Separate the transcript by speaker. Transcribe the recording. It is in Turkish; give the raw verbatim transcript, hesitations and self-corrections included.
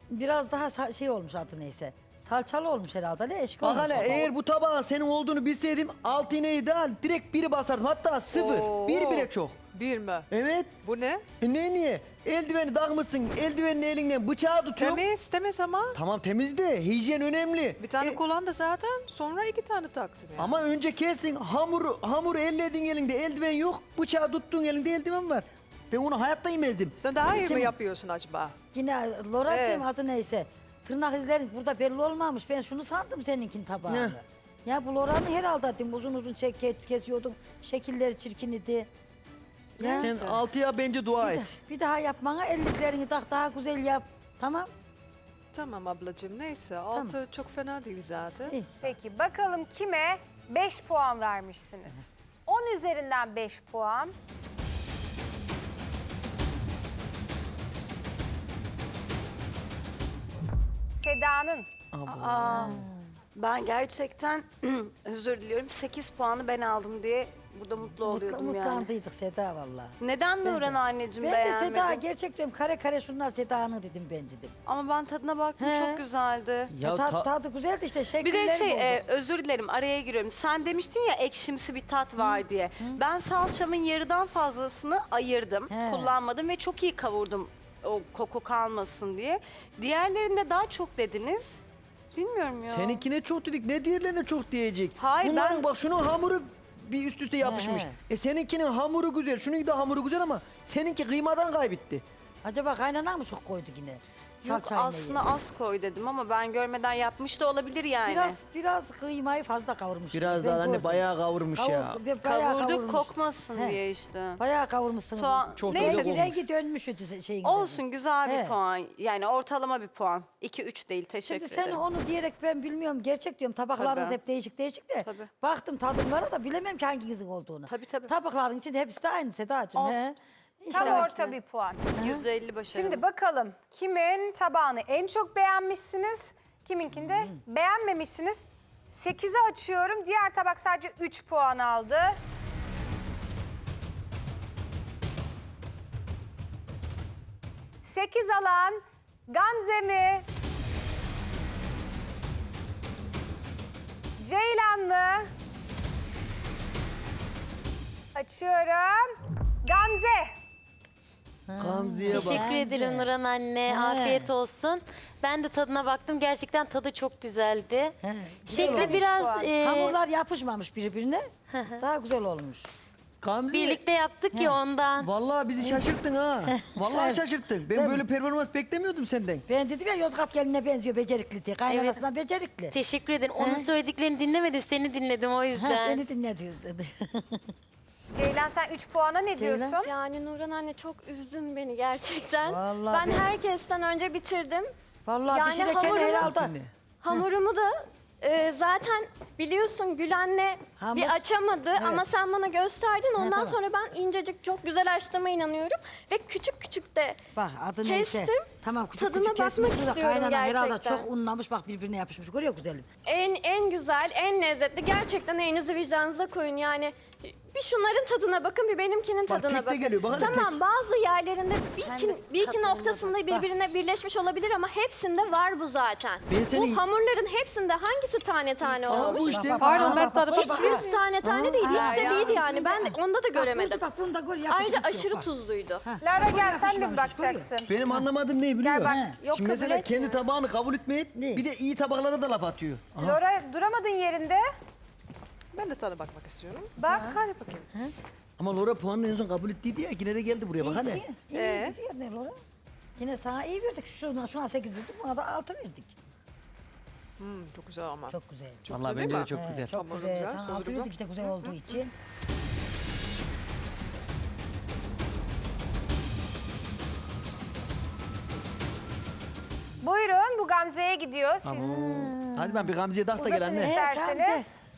Speaker 1: biraz daha sa- şey olmuş adı neyse. Salçalı olmuş herhalde. Ne eşik
Speaker 2: Bak
Speaker 1: olmuş.
Speaker 2: hele eğer bu tabağın senin olduğunu bilseydim altı iğneyi de al direkt biri basardım. Hatta sıfır.
Speaker 3: Oo.
Speaker 2: Bir bile çok.
Speaker 3: Bir mi?
Speaker 2: Evet.
Speaker 3: Bu ne?
Speaker 2: E ne niye? Eldiveni takmışsın. Eldivenin elinden bıçağı tutuyor.
Speaker 3: Temiz, temiz ama.
Speaker 2: Tamam temiz de hijyen önemli.
Speaker 3: Bir tane
Speaker 2: E,
Speaker 3: kullandı zaten. Sonra iki tane taktım yani.
Speaker 2: Ama önce kestin hamuru, hamuru elledin elinde eldiven yok. Bıçağı tuttun elinde eldiven var. Ben onu hayatta yemezdim.
Speaker 3: Sen daha iyi mi
Speaker 1: Senin-
Speaker 3: yapıyorsun acaba?
Speaker 1: Yine Loracığım
Speaker 3: Evet.
Speaker 1: adı neyse. Tırnak izlerin burada belli olmamış. Ben şunu sandım seninkin tabağını.
Speaker 2: Ne?
Speaker 1: Ya bu Lora'nın herhalde dedim. Uzun uzun çek, kes- kesiyordun. Şekilleri çirkin idi. Ya.
Speaker 2: Sen altıya bence dua
Speaker 1: Bir,
Speaker 2: et.
Speaker 1: da- bir daha yapmana elliklerini tak daha güzel yap. Tamam.
Speaker 3: Tamam ablacığım neyse. Altı çok fena değil zaten.
Speaker 1: İyi.
Speaker 4: Peki bakalım kime beş puan vermişsiniz? on üzerinden beş puan. Seda'nın.
Speaker 5: Ben gerçekten özür diliyorum sekiz puanı ben aldım diye burada mutlu oluyordum
Speaker 1: Mutlu,
Speaker 5: yani.
Speaker 1: mutlandıydık Seda valla.
Speaker 5: Neden
Speaker 1: Ben
Speaker 5: Nurhan
Speaker 1: de.
Speaker 5: anneciğim
Speaker 1: Ben de
Speaker 5: beğenmedin?
Speaker 1: Seda gerçek diyorum kare kare şunlar Seda'nın dedim ben dedim.
Speaker 5: Ama ben tadına baktım
Speaker 1: He.
Speaker 5: çok güzeldi.
Speaker 2: Ya
Speaker 1: Ta-
Speaker 2: ta-
Speaker 1: tadı güzeldi işte
Speaker 5: Bir
Speaker 1: şekilleri
Speaker 5: de şey
Speaker 1: bozuk.
Speaker 5: e, özür dilerim araya giriyorum. Sen demiştin ya ekşimsi bir tat var diye. Ben salçamın yarıdan fazlasını ayırdım.
Speaker 1: He.
Speaker 5: Kullanmadım ve çok iyi kavurdum o koku kalmasın diye. Diğerlerinde daha çok dediniz. Bilmiyorum ya.
Speaker 2: Seninkine çok dedik. Ne diğerlerine çok diyecek.
Speaker 5: Hayır,
Speaker 2: Bunların
Speaker 5: ben-
Speaker 2: bak şunun hamuru bir üst üste yapışmış.
Speaker 1: He.
Speaker 2: E seninkinin hamuru güzel. Şunun da hamuru güzel ama seninki kıymadan kaybetti.
Speaker 1: Acaba kaynanan mı çok koydu yine?
Speaker 5: Yok
Speaker 1: Salçayla
Speaker 5: aslında
Speaker 1: yedi.
Speaker 5: az koy dedim ama ben görmeden yapmış da olabilir yani.
Speaker 1: Biraz biraz kıymayı fazla kavurmuşsunuz.
Speaker 2: Biraz
Speaker 1: ben
Speaker 2: daha anne
Speaker 1: gördüm.
Speaker 2: bayağı kavurmuş ya.
Speaker 1: Kavur- be- bayağı
Speaker 5: Kavurduk
Speaker 1: kavurmuş.
Speaker 5: kokmasın
Speaker 1: He.
Speaker 5: diye işte.
Speaker 1: Bayağı kavurmuşsunuz.
Speaker 5: Soğan-
Speaker 2: Çok
Speaker 1: Neyse
Speaker 2: güzel
Speaker 1: ki
Speaker 2: olmuş.
Speaker 1: rengi dönmüştü şeyin.
Speaker 5: Olsun güzel bir
Speaker 1: He.
Speaker 5: puan. Yani ortalama bir puan. iki üç değil
Speaker 1: Şimdi
Speaker 5: teşekkür
Speaker 1: sen
Speaker 5: ederim.
Speaker 1: onu diyerek ben bilmiyorum gerçek diyorum tabaklarınız
Speaker 5: Tabii.
Speaker 1: hep değişik değişik de
Speaker 5: Tabii.
Speaker 1: baktım tadımlara da bilemem ki hanginizin olduğunu.
Speaker 5: Tabii, tabii.
Speaker 1: Tabakların içinde hepsi de aynı Sedacığım.
Speaker 5: Olsun.
Speaker 1: He.
Speaker 4: Tam
Speaker 1: İnşallah.
Speaker 4: orta bir puan.
Speaker 5: yüzde elli başarılı.
Speaker 4: Şimdi bakalım kimin tabağını en çok beğenmişsiniz, kiminkinde beğenmemişsiniz. sekizi açıyorum. Diğer tabak sadece üç puan aldı. sekiz alan Gamze mi? Ceylan mı? Açıyorum. Gamze.
Speaker 2: Gamze'ye bak.
Speaker 6: Teşekkür
Speaker 1: Bence.
Speaker 6: ederim Nurhan anne.
Speaker 1: He.
Speaker 6: Afiyet olsun. Ben de tadına baktım. Gerçekten tadı çok güzeldi.
Speaker 1: He, güzel
Speaker 6: Şekli
Speaker 1: olmuş.
Speaker 6: biraz
Speaker 4: puan.
Speaker 6: e,
Speaker 1: Hamurlar yapışmamış birbirine. Daha güzel olmuş.
Speaker 2: Gamze.
Speaker 6: birlikte yaptık ya ondan.
Speaker 2: Vallahi bizi şaşırttın ha. Vallahi
Speaker 1: Evet.
Speaker 2: şaşırttın. Ben
Speaker 1: Değil mi?
Speaker 2: böyle performans beklemiyordum senden.
Speaker 1: Ben dedim ya Yozgat gelinine benziyor becerikli diye. Kaynanasından becerikli.
Speaker 6: Teşekkür ederim. Onun söylediklerini dinlemedim. Seni dinledim o
Speaker 1: Ha,
Speaker 6: yüzden.
Speaker 1: beni dinledi dedi.
Speaker 4: Ceylan sen üç puana ne
Speaker 1: Ceylan?
Speaker 4: diyorsun?
Speaker 7: Yani Nurhan anne çok üzdün beni gerçekten.
Speaker 1: Vallahi
Speaker 7: ben
Speaker 1: ben-
Speaker 7: herkesten önce bitirdim.
Speaker 1: Vallahi
Speaker 7: Yani
Speaker 1: pişirirken
Speaker 7: hamurumu-
Speaker 1: herhalde.
Speaker 2: Anne.
Speaker 7: Hamurumu da e, zaten biliyorsun Gülen'le
Speaker 1: Hamur-
Speaker 7: bir açamadı ama sen bana gösterdin. Ondan
Speaker 1: tamam.
Speaker 7: sonra ben incecik çok güzel açtığıma inanıyorum. Ve küçük küçük de
Speaker 1: Bak adı
Speaker 7: kestim.
Speaker 1: neyse. Tamam küçük
Speaker 7: Tadına
Speaker 1: küçük
Speaker 7: bakmak
Speaker 1: kesmişsin de
Speaker 7: istiyorum
Speaker 1: kaynanan herhalde
Speaker 7: gerçekten.
Speaker 1: çok unlamış bak birbirine yapışmış. Görüyor güzelim.
Speaker 7: En en güzel, en lezzetli. Gerçekten elinizi vicdanınıza koyun yani. Bir şunların tadına bakın, bir benimkinin
Speaker 2: Bak,
Speaker 7: tadına
Speaker 2: tek de
Speaker 7: bakın.
Speaker 2: geliyor, bak hele
Speaker 7: Tamam,
Speaker 2: tek.
Speaker 7: bazı yerlerinde bir
Speaker 6: Sen
Speaker 7: iki,
Speaker 6: de
Speaker 7: bir iki
Speaker 6: tadına
Speaker 7: noktasında
Speaker 6: bak.
Speaker 7: birbirine birleşmiş olabilir ama hepsinde var bu zaten.
Speaker 2: Ben senin-
Speaker 7: Bu hamurların hepsinde hangisi tane tane
Speaker 2: Aha
Speaker 7: olmuş?
Speaker 2: bu işte.
Speaker 3: Pardon ben tarafa
Speaker 7: Hiçbirisi tane tane değil, hiç de
Speaker 1: ya,
Speaker 7: değil yani.
Speaker 1: ismini
Speaker 7: Ben de
Speaker 1: de-
Speaker 7: onda da
Speaker 1: Bak,
Speaker 7: göremedim.
Speaker 1: Bak bunu da gör yapışık
Speaker 7: Ayrıca
Speaker 1: yok,
Speaker 7: aşırı
Speaker 1: bak.
Speaker 7: tuzluydu.
Speaker 4: Lara gel sen de bir
Speaker 1: yapışmamış,
Speaker 4: bakacaksın.
Speaker 2: Benim anlamadığım ne biliyor
Speaker 4: Gel bak.
Speaker 2: musun?
Speaker 7: Yok,
Speaker 2: Şimdi
Speaker 7: kabul
Speaker 2: mesela
Speaker 7: etmiyor.
Speaker 2: kendi tabağını kabul etmeyip
Speaker 1: Ne?
Speaker 2: bir de iyi tabaklara da laf atıyor. Aha.
Speaker 4: Laura duramadın yerinde.
Speaker 3: Ben de tadına bakmak istiyorum.
Speaker 4: Bak.
Speaker 3: Hadi bakayım.
Speaker 2: Ama Laura puanını en son kabul ettiydi ya. Yine de geldi buraya bak hele.
Speaker 1: İyi, iyi,
Speaker 3: Ee?
Speaker 1: iyi, iyi, Laura. Yine sana iyi verdik. Şuna, şuna sekiz verdik, buna da altı verdik.
Speaker 3: Hmm, çok güzel ama.
Speaker 1: Çok güzel.
Speaker 2: Vallahi
Speaker 3: güzel
Speaker 2: bence
Speaker 3: değil
Speaker 2: de çok
Speaker 3: mi?
Speaker 2: güzel.
Speaker 1: Çok
Speaker 3: Hamuru
Speaker 1: güzel.
Speaker 3: güzel,
Speaker 1: Sana
Speaker 3: sosu
Speaker 1: altı
Speaker 3: güzel.
Speaker 1: verdik işte güzel olduğu için.
Speaker 4: Buyurun bu Gamze'ye gidiyor. Siz
Speaker 2: Hadi ben bir Gamze'ye tak da gel
Speaker 4: uzatın
Speaker 2: anne.
Speaker 1: He,
Speaker 4: isterseniz.
Speaker 1: Gamze.